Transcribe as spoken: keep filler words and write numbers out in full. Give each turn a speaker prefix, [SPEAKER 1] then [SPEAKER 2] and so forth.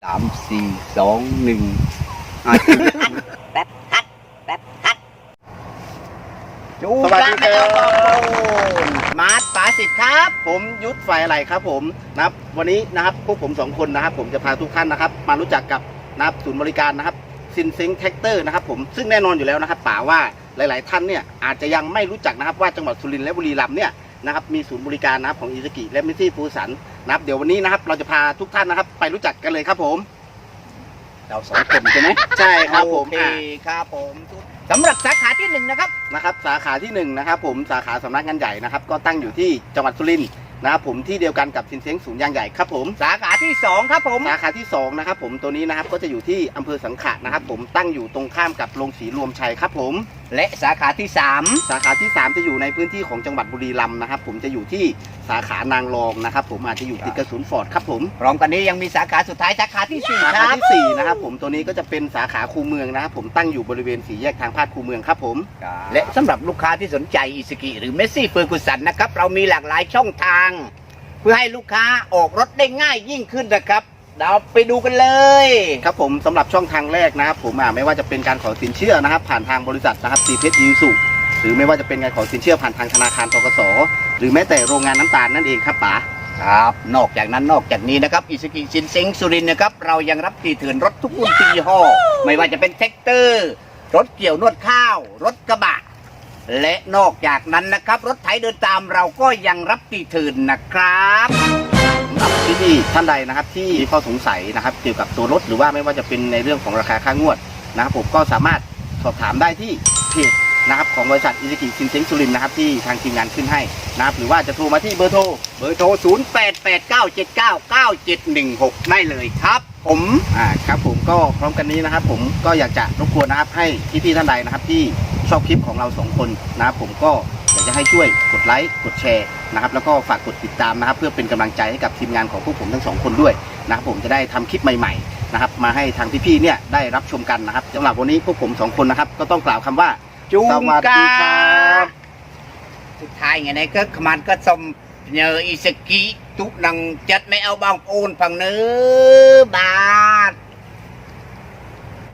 [SPEAKER 1] สามสี่สองหนึ่งแป๊บฮัดแป๊บฮัดจู
[SPEAKER 2] สวัสดีครับ
[SPEAKER 1] มาร์ทป๋าสิทธิ์ครับ
[SPEAKER 2] ผมยุทธไฟอะไรครับผมนะครับวันนี้นะครับพวกผมสองคนนะครับผมจะพาทุกท่านนะครับมารู้จักกับนะครับศูนย์บริการนะครับซินเซ็งแท็กเตอร์นะครับผมซึ่งแน่นอนอยู่แล้วนะครับป๋าว่าหลายๆท่านเนี่ยอาจจะยังไม่รู้จักนะครับว่าจังหวัดสุรินทร์และบุรีรัมย์เนี่ยนะครับมีศูนย์บริการนะครับของอิซากิและมิตซี่ฟูสันนะครับเดี๋ยววันนี้นะครับเราจะพาทุกท่านนะครับไปรู้จักกันเลยครับผม
[SPEAKER 1] เราสองคนใช่ไหม
[SPEAKER 2] ใช่ครับผม
[SPEAKER 1] โอเค
[SPEAKER 2] อ่ะ
[SPEAKER 1] ครับผมสำหรับสาขาที่หนึ่งนะครับ
[SPEAKER 2] นะครับสาขาที่หนึ่งนะครับผมสาขาสำนักงานใหญ่นะครับก็ตั้งอยู่ที่จังหวัดสุรินทร์นะครับผมที่เดียวกันกับซินเซ็งศูนย์ยางใหญ่ครับผม
[SPEAKER 1] สาขาที่สองครับผม
[SPEAKER 2] สาขาที่สองนะครับผมตัวนี้นะครับก็จะอยู่ที่อำเภอสังขะนะครับผมตั้งอยู่ตรงข้ามกับโรงสีรวมชัยครับผม
[SPEAKER 1] และสาขาที่สาม
[SPEAKER 2] สาขาที่สามจะอยู่ในพื้นที่ของจังหวัดบุรีรัมย์นะครับผมจะอยู่ที่สาขานางรองนะครับผมอาจจะอยู่ติดกับศูนย์ฟอร์ดครับผม
[SPEAKER 1] พร้อมกันนี้ยังมีสาขาสุดท้ายสาขาที่สี่
[SPEAKER 2] สา
[SPEAKER 1] ค
[SPEAKER 2] ขา
[SPEAKER 1] รับ
[SPEAKER 2] ที่สี่นะครับผมตัวนี้ก็จะเป็นสาขาคูเมืองนะครับผมตั้งอยู่บริเวณสี่แยกทางพาดคูเมืองครับผม
[SPEAKER 1] และสำหรับลูกค้าที่สนใจอิซากิหรือเมสซี่เฟอร์กุสันนะครับเรามีหลากหลายช่องทาง เพื่อให้ลูกค้าออกรถได้ง่ายยิ่งขึ้นนะครับเราไปดูกันเลย
[SPEAKER 2] ครับผมสำหรับช่องทางแรกนะครับผมอ่าไม่ว่าจะเป็นการขอสินเชื่อนะครับผ่านทางบริษัทนะครับซีเพชรยูสุหรือไม่ว่าจะเป็นการขอสินเชื่อผ่านทางธนาคารธกสหรือแม้แต่โรงงานน้ำตาลนั่นเองครับป๋า
[SPEAKER 1] ครับนอกจากนั้นนอกจากนี้นะครับอิซากิซินเซ็งสุรินทร์นะครับเรายังรับตีเถื่อนรถทุกรุ่นทุกยี่ห้อไม่ว่าจะเป็นแท็กเตอร์รถเกี่ยวนวดข้าว รถกระบะและนอกจากนั้นนะครับรถไถเดินตามเราก็ยังรับตีเถื่อนนะครับ
[SPEAKER 2] สำหรับที่ท่านใดนะครับที่มีข้อสงสัยนะครับเกี่ยวกับตัวรถหรือว่าไม่ว่าจะเป็นในเรื่องของราคาค่างวดนะครับผมก็สามารถสอบถามได้ที่เพจนะครับของบริษัทอิซากิซินเซ็งสุรินทร์นะครับที่ทางทีมงานขึ้นให้นะครับหรือว่าจะโทรมาที่เบอร์โทร
[SPEAKER 1] เบอร์โทรศูนย์ แปด แปด เก้า เจ็ด เก้า เก้า เจ็ด หนึ่ง หกได้เลยครับ ผม
[SPEAKER 2] อ่าครับผมก็พร้อมกันนี้นะครับผมก็อยากจะรบกวนนะครับให้พี่ๆท่านใดนะครับที่ชอบคลิปของเราสองคนนะครับผมก็อยากจะให้ช่วยกดไลค์กดแชร์นะครับแล้วก็ฝากกดติดตามนะครับเพื่อเป็นกำลังใจให้กับทีมงานของพวกผมทั้งสองคนด้วยนะครับผมจะได้ทำคลิปใหม่ๆนะครับมาให้ทางพี่ๆเนี่ยได้รับชมกันนะครับสำหรับวันนี้พวกผมสองคนนะครับก็ต้องกล่าวคำว่า
[SPEAKER 1] จูง
[SPEAKER 2] สวัสดีครับ
[SPEAKER 1] สุดท้ายไงในก็ขมันก็สมnhờ อิซากิทุกนังจัดไม่เอาบางโอนฝั่งเนื้อบาท